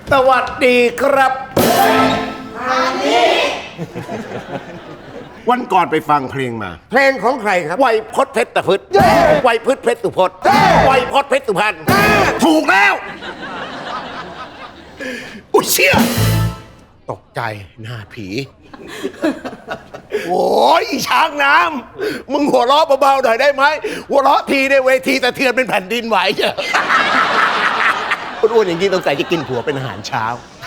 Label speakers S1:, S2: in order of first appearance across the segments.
S1: สวัสดีครับวันก่อนไปฟังเพลงมา
S2: เพลงของใครครับ
S1: ไวยพจน์เพชรพฤษไวยพฤษเพชรสุพจน์ไวยพจน์เพชรสุพรรณถูกแล้วอุ้ยเชี่ยตกใจหน้าผี โอ้ยอีช้างน้ำมึงหัวเราะเบาๆหน่อยได้ไหมหัวเราะทีในเวทีสะเทือนเป็นแผ่นดินไหวเจ้ะอ้วนๆอย่างนี้ต้องใส่จะกินผัวเป็นอาหารเช้า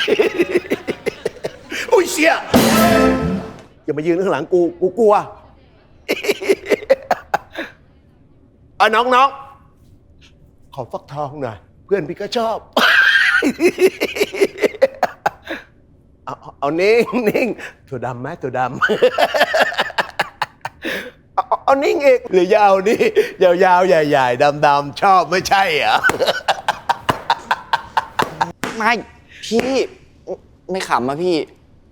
S1: อุ้ยเชี่ยอย่ามายืนข้างหลังกูกลัว น้องขอฟักทองหน่อยเพื่อนพี่ก็ชอบ เอานิ่งถั่วดำไหมถั่วดำ เอานิ่งเอกหรือยาวนี่ยาวๆใหญ่ๆดำๆชอบไม่ใช่เหรอ
S3: ไม่พี่ไม่ขำอะพี่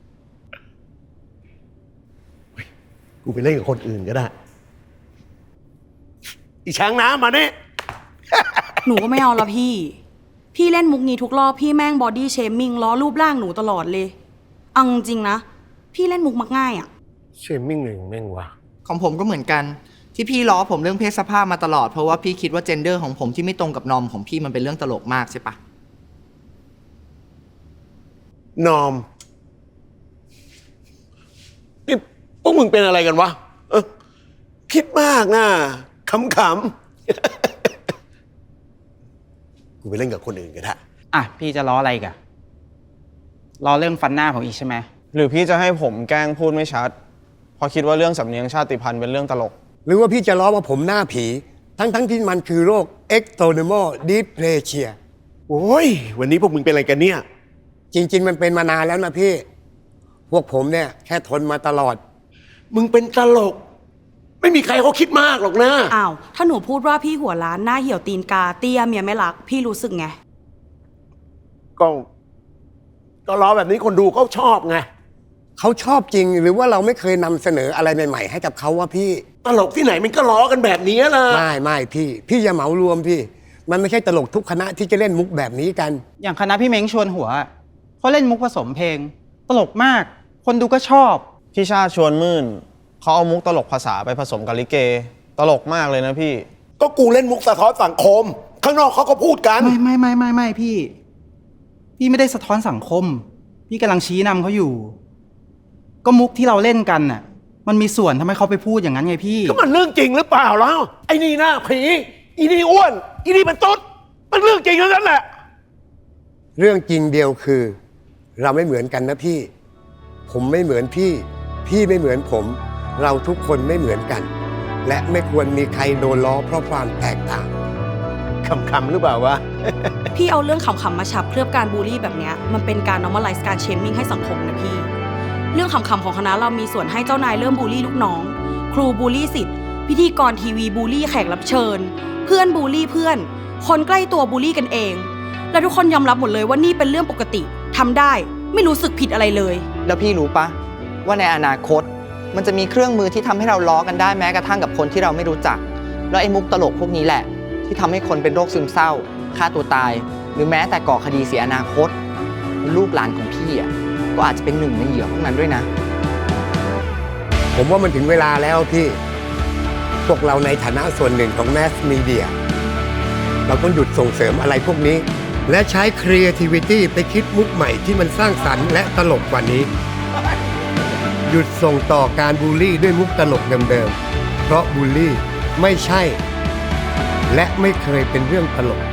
S1: กูไปเล่นกับคนอื่นก็ได้ อีช้างน้ำมาเนี่ย
S4: หนูก็ไม่เอาละพี่ พี่เล่นมุกนี้ทุกรอบพี่แม่งบอดี้เชมมิ่งล้อรูปร่างหนูตลอดเลยเอาจริงๆนะพี่เล่นมุกมักง่ายอะ
S1: เชมมิ่งหนึ่งแม่งวะ
S5: ของผมก็เหมือนกันที่พี่ล้อผมเรื่องเพศสภาพมาตลอดเพราะว่าพี่คิดว่าเจนเดอร์ของผมที่ไม่ตรงกับนอมของพี่มันเป็นเรื่องตลกมากใช่ปะ
S1: นอมนี่พวกมึงเป็นอะไรกันวะคิดมากนะขำ กูไปเล่นกับคนอื่นก็ได้
S6: อ่ะพี่จะล้ออะไรกันล้อเรื่องฟันหน้าผมอีกใช่ไหม
S7: หรือพี่จะให้ผมแกล้งพูดไม่ชัดเพราะคิดว่าเรื่องสำเนียงชาติพันธุ์เป็นเรื่องตลก
S2: หรือว่าพี่จะล้อว่าผมหน้าผี ทั้งที่มันคือโรค ectodermal dysplasia
S1: โอ้ยวันนี้พวกมึงเป็นอะไรกันเนี่ย
S2: จริง ๆ มันเป็นมานานแล้วนะพี่ พวกผมเนี่ยแค่ทนมาตลอด
S1: มึงเป็นตลก ไม่มีใครเขาคิดมากหรอกนะ
S4: อ้าวถ้าหนูพูดว่าพี่หัวล้านหน้าเหี่ยวตีนกาเตี้ยเมียไม่รักพี่รู้สึกไง
S1: ก็ล้อแบบนี้คนดูเขาชอบไง
S2: เขาชอบจริงหรือว่าเราไม่เคยนำเสนออะไรใหม่ๆให้กับเขาว่าพี่
S1: ตลกที่ไหนมันก็ล้อกันแบบนี้ล่ะ
S2: ไม่พี่อย่าเหมารวมพี่ มันไม่ใช่ตลกทุกคณะที่จะเล่นมุกแบบนี้กัน
S6: อย่างคณะพี่เม้งชวนหัวเขาเล่นมุกผสมเพลงตลกมาก คนดูก็ชอบ
S7: พี่ชาติชวนมื่นเขาเอามุกตลกภาษาไปผสมกับลิเกตลกมากเลยนะพี่
S1: ก็กูเล่นมุกสะท้อนสังคม ข้างนอกเขาก็พูดกัน
S6: ไม่พี่ไม่ได้สะท้อนสังคม พี่กำลังชี้นำเขาอยู่ ก็มุกที่เราเล่นกันน่ะมันมีส่วนทำให้เขาไปพูดอย่างนั้นไงพี่
S1: ก็มันเรื่องจริงหรือเปล่าแล้วไอ้นี่หน้าผีอีนี่อ้วนอีนี่เป็นตุ๊ดมันเรื่องจริงทั้งนั้นแหละ
S2: เรื่องจริงเดียวคือ เราไม่เหมือนกันนะพี่ ผมไม่เหมือนพี่ไม่เหมือนผม เราทุกคนไม่เหมือนกัน และไม่ควรมีใครโดนล้อเพราะความแตกต่าง
S1: คำหรือเปล่าวะ
S4: พี่เอาเรื่องขำๆมาฉับเคลือบการบูลลี่แบบเนี้ยมันเป็นการ normalize การเชมมิ่งให้สังคมนะพี่ เรื่องขำๆของคณะเรามีส่วนให้เจ้านายเริ่มบูลลี่ลูกน้อง ครูบูลลี่ศิษย์พิธีกรทีวีบูลลี่แขกรับเชิญ เพื่อนบูลลี่เพื่อน คนใกล้ตัวบูลลี่กันเอง และทุกคนยอมรับหมดเลยว่านี่เป็นเรื่องปกติทำได้ไม่รู้สึกผิดอะไรเลย
S5: แล้วพี่รู้ปะว่าในอนาคตมันจะมีเครื่องมือที่ทำให้เราล้อกันได้แม้กระทั่งกับคนที่เราไม่รู้จัก แล้วไอ้มุกตลกพวกนี้แหละที่ทำให้คนเป็นโรคซึมเศร้าฆ่าตัวตาย หรือแม้แต่ก่อคดีเสียอนาคตลูกหลานของพี่อ่ะก็อาจจะเป็นหนึ่งในเหยื่อพวกนั้นด้วยนะ
S2: ผมว่ามันถึงเวลาแล้วพี่ พวกเราในฐานะส่วนหนึ่งของแมสมีเดียเราต้องหยุดส่งเสริมอะไรพวกนี้ และใช้ creativity ไปคิดมุกใหม่ที่มันสร้างสรรค์และตลกกว่านี้ หยุดส่งต่อการบูลลี่ด้วยมุกตลกเดิมๆเพราะบูลลี่ไม่ใช่ และไม่เคยเป็นเรื่องตลก